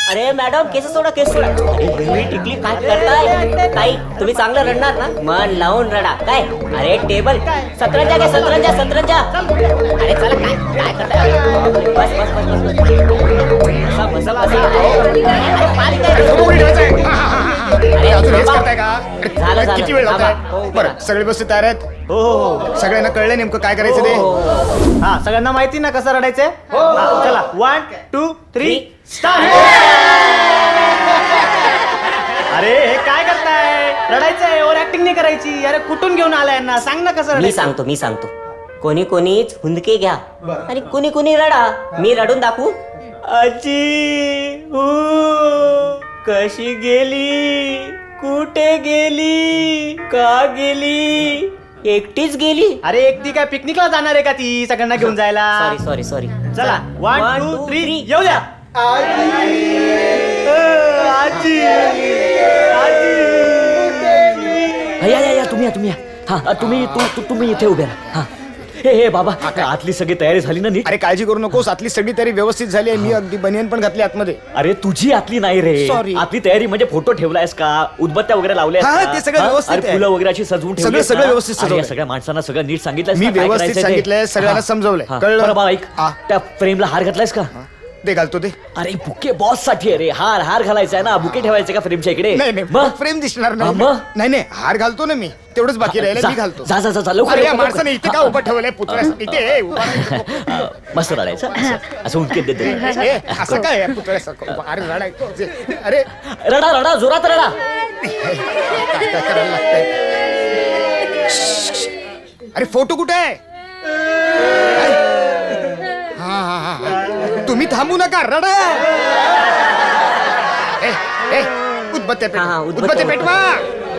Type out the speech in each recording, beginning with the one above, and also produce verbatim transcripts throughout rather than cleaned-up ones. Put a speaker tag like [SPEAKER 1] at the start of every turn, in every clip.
[SPEAKER 1] अरे मॅडम केस सोडा केस सोडा. अरे एवढी टिकली काय करताय ताई? तुम्ही चांगलं रडणार ना? मन लावून रडा. काय अरे टेबल सतरंजा घ्या सतरंजा सतरंजा. अरे चला काय काय करताय? बस बस बस बस बसा बसा बसा. झालं झालं.
[SPEAKER 2] किती वेळ लागतोय? बरं सगळे बसते तयार आहेत?
[SPEAKER 3] हो हो
[SPEAKER 2] सगळ्यांना कळलं नेमकं काय करायचं ते?
[SPEAKER 3] हा सगळ्यांना माहिती ना कसं रडायचंय? चला वन टू थ्री स्टार्ट. अरे हे काय करताय? रडायचंय ओव्हर ऍक्टिंग नाही करायची. अरे कुठून घेऊन आलाय यांना? सांग ना कसं
[SPEAKER 1] मी
[SPEAKER 3] रडायचं.
[SPEAKER 1] सांगतो मी सांगतो. कोणी कोणीच हुंदके घ्या आणि कुणी कुणी रडा. मी रडून दाखवू? आजी हो कशी गेली, कुठे गेली, का गेली? एकटीच गेली.
[SPEAKER 3] अरे एकटी काय पिकनिकला जाणार आहे का ती सगळ्यांना घेऊन जायला?
[SPEAKER 1] Sorry sorry sorry.
[SPEAKER 3] चला वन टू थ्री येऊ द्या. आजी आजी
[SPEAKER 4] या या या तुम्ही या तुम्ही या. हा तुम्ही तू तू- तुम्ही इथे उभे राहा. हा हे हे बाबा आतली सगळी तयारी झाली ना नीट?
[SPEAKER 2] अरे काळजी करू नकोस, आतली सगळी तयारी व्यवस्थित झाली आहे. मी अगदी बनियन पण घातली आतमध्ये.
[SPEAKER 4] अरे तुझी आतली नाही रे.
[SPEAKER 2] Sorry.
[SPEAKER 4] आतली तयारी म्हणजे फोटो ठेवलायस का, उदबत्त्या वगैरे लावल्या
[SPEAKER 2] हा, ते सगळं व्यवस्थित आहे.
[SPEAKER 4] फुलं वगैरे अशी सजवून
[SPEAKER 2] सगळं-
[SPEAKER 4] ठेवलीस
[SPEAKER 2] सगळं
[SPEAKER 4] ना?
[SPEAKER 2] व्यवस्थित
[SPEAKER 4] अरे, या
[SPEAKER 2] सजवलंय.
[SPEAKER 4] सगळ्या माणसांना सगळं नीट सांगितलंय.
[SPEAKER 2] मी व्यवस्थित सांगितलंय, सगळ्यांना समजवलंय. कळलं?
[SPEAKER 4] बरं बाबा ऐक,
[SPEAKER 2] हा.
[SPEAKER 4] त्या फ्रेमला हार घातलायस का?
[SPEAKER 2] ते घालतो ते.
[SPEAKER 4] अरे बुके बॉस साठी अरे हार हार घालायचा आहे ना, बुके ठेवायचे का फ्रेमच्या इकडे?
[SPEAKER 2] नाही नाही
[SPEAKER 4] मग?
[SPEAKER 2] फ्रेम दिसणार
[SPEAKER 4] हा,
[SPEAKER 2] नाही.
[SPEAKER 4] मग?
[SPEAKER 2] नाही नाही हार घालतो ना मी, तेवढंच बाकी राहिलं
[SPEAKER 4] जा,
[SPEAKER 2] मी घालतो.
[SPEAKER 4] जा जा जा जा, लवकर
[SPEAKER 2] अरे या
[SPEAKER 4] लवकर,
[SPEAKER 2] माणसाने इथे का उभं ठेवलंय पुतळ्यासाठी? इथे उभा राहायचं.
[SPEAKER 4] अ, मस्त रडायचं असं- असं उंचकीत देते.
[SPEAKER 2] ए, असं काय आहे पुतळ्यासारखं उभं? अरे रडायचं. अरे
[SPEAKER 4] रडा रडा जोरात रडा.
[SPEAKER 2] काय काय करायला लागतंय? अरे फोटो कुठे आहे? हा हा हा हा. तुम्ही थांबू नका, रडा. ए, ए, उदबत्त्या पेटवा.
[SPEAKER 1] हा, हा, उदबत्त्या
[SPEAKER 2] उदबत्त्या पेटवा.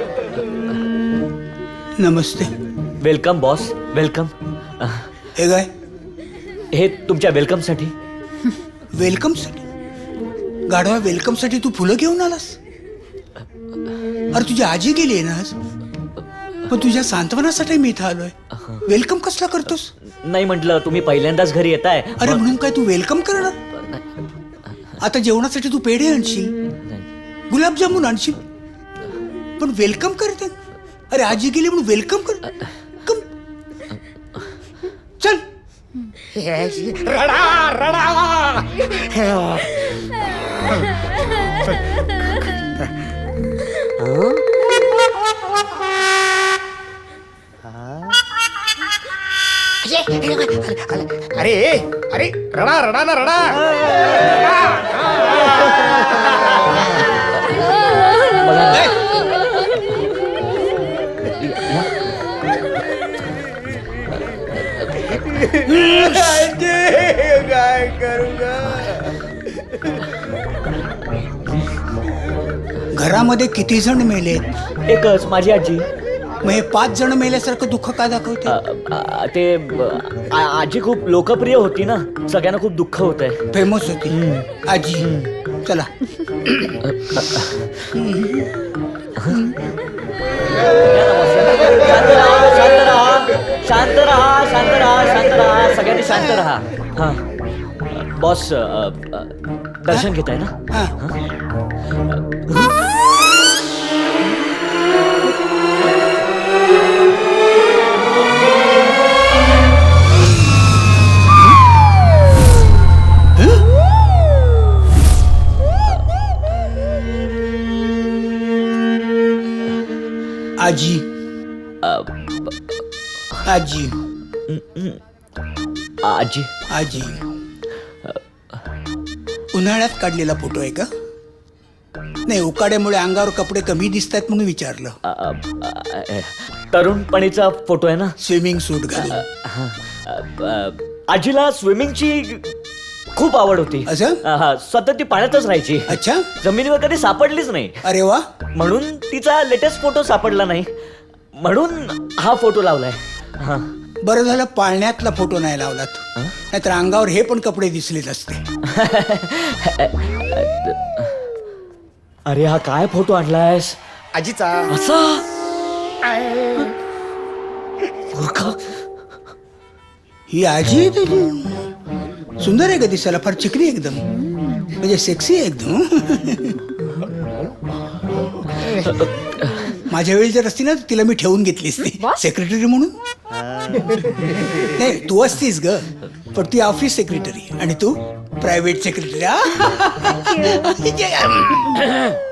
[SPEAKER 5] नमस्ते.
[SPEAKER 4] Welcome boss welcome.
[SPEAKER 5] हे काय
[SPEAKER 4] हे तुमच्या वेलकम साठी.
[SPEAKER 5] वेलकम साठी? गाढवा वेलकम साठी तू फुलं घेऊन आलास? अरे तुझी आजी गेली आहे ना आज, पण तुझ्या सांत्वनासाठी मी इथं आलोय. वेलकम कसला करतोस?
[SPEAKER 4] नाही म्हटलं तुम्ही पहिल्यांदाच घरी येताय.
[SPEAKER 5] अरे म्हणून काय तू वेलकम करणार? आता जेवणासाठी तू पेढे आणशील, गुलाबजामुन आणशील, पण वेलकम करते? अरे आजी गेली म्हणून वेलकम कर. कम चल.
[SPEAKER 2] रडा रडा. अरे अरे रडा रडा ना रडा. काय करू
[SPEAKER 5] घरामध्ये किती जण मेलेत?
[SPEAKER 4] एकच माझी आजी.
[SPEAKER 5] मग हे पाच जण मेल्यासारखं दुःख का
[SPEAKER 4] अ,
[SPEAKER 5] दाखवते?
[SPEAKER 4] अ, ते अ, आ- आजी खूप लोकप्रिय होती ना, सगळ्यांना खूप दुःख होत आहे.
[SPEAKER 5] फेमस होती आजी. चला.
[SPEAKER 4] शांत राहा शांत राहा शांत राहा शांत राहा शांत राहा सगळ्यांनी शांत राहा. हा बॉस अ, अ, दर्शन घेताय ना?
[SPEAKER 5] हा. आजी आजी
[SPEAKER 4] आजी
[SPEAKER 5] आजी उन्हाळ्यात काढलेला फोटो आहे का? नाही, उकाड्यामुळे अंगावर कपडे कमी दिसत आहेत म्हणून विचारलं.
[SPEAKER 4] अ, अ, अ, तरुणपणीचा फोटो आहे ना?
[SPEAKER 5] स्विमिंग सूट घालून.
[SPEAKER 4] हा. अ, अ, आजीला स्विमिंगची खूप आवड होती.
[SPEAKER 5] असं?
[SPEAKER 4] अ, हा सतत ती पाण्यातच राहायची.
[SPEAKER 5] अच्छा.
[SPEAKER 4] जमिनीवर कधी सापडलीच नाही.
[SPEAKER 5] अरे वा.
[SPEAKER 4] म्हणून तिचा लेटेस्ट फोटो सापडला नाही, म्हणून हा फोटो लावलाय. हा.
[SPEAKER 5] बरं झालं पाळण्यातला फोटो नाही लावलात, नाहीतर अंगावर हे पण कपडे दिसलेच असते.
[SPEAKER 4] अरे हा काय फोटो आणलायस?
[SPEAKER 2] आजीचा.
[SPEAKER 4] असा मूर्ख.
[SPEAKER 5] ही आजी आहे तुझी? सुंदर आहे ग दिसायला, फार चिकनी एकदम, म्हणजे सेक्सी आहे एकदम. माझ्या वेळी जर असती ना तिला मी ठेवून घेतली असती सेक्रेटरी म्हणून. नाही तू असतीस ग, पण ती ऑफिस सेक्रेटरी आणि तू प्रायव्हेट सेक्रेटरी.